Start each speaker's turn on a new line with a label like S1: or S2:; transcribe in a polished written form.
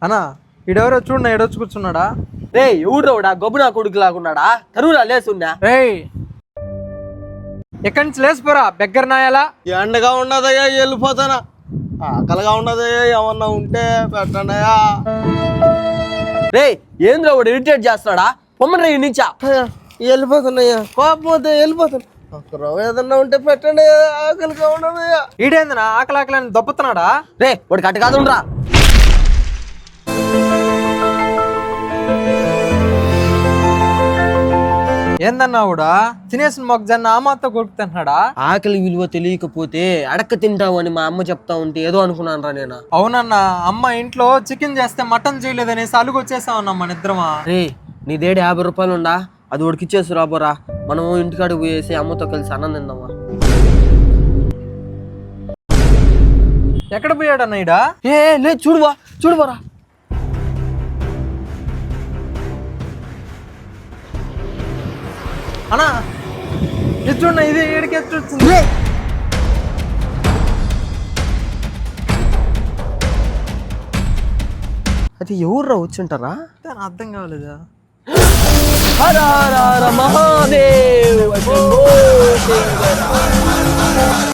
S1: అన్నా ఈడెవరో చూడన్నా ఏడొచ్చి కూర్చున్నాడా?
S2: రే ఎవడ్రోడా గొబ్బు నా కొడుకు లాగున్నాడా? తరువురా లేసున్నా.
S1: రేయ్ ఎక్కడి నుంచి లేచిపోరా బెగ్గర నాయాలా.
S3: ఎండగా ఉండదయ్యా వెళ్ళిపోతానా, ఆకలిగా ఉండదయ్యా ఏమన్నా ఉంటే పెట్టండియా.
S2: రే ఏంద్రా వాడు ఇరిటేట్ చేస్తున్నాడా? పొమ్మని రే నుంచా.
S3: వెళ్ళిపోతున్నాయ్యా, కోపపోతే వెళ్ళిపోతాను. ఒక రవ్వ ఏదన్నా ఉంటే పెట్టండి, ఆకలిగా ఉండదయ్యా.
S1: ఈడేందనా ఆకలి ఆకలి అని దొబ్బుతున్నాడా?
S2: రే వాడికి అట్ట కాదు ఉండరా.
S1: ఏందన్నా కూడా తినేసిన మొగ్గజొన్న ఆ మాతో కొడుకుతున్నాడా?
S2: ఆకలి విలువ తెలియకపోతే అడక్క తింటావు అని మా అమ్మ చెప్తా ఉంటే ఏదో అనుకున్నాను రా నేను.
S1: అవునన్నా, అమ్మ ఇంట్లో చికెన్ చేస్తే మటన్ చేయలేదనేసి అలుగు వచ్చేసామన్నా మన ఇద్దరమా.
S2: రే నీ దేడి 50 రూపాయలు ఉండా, అది వాడికి ఇచ్చేసి రాబోరా. మనం ఇంటికాడికి పోయేసి అమ్మతో కలిసి అన్నం తిందామా.
S1: ఎక్కడ పోయాడన్నా ఈడ?
S2: ఏ లేదు చూడుబోరా.
S1: అన్నా ఇది చూడన్నా, ఇది ఈడికి వచ్చింది.
S2: అది ఎవర్రా వచ్చింటారా?
S1: అర్థం కావలేదా?
S2: హర హర హర మహాదేవ్.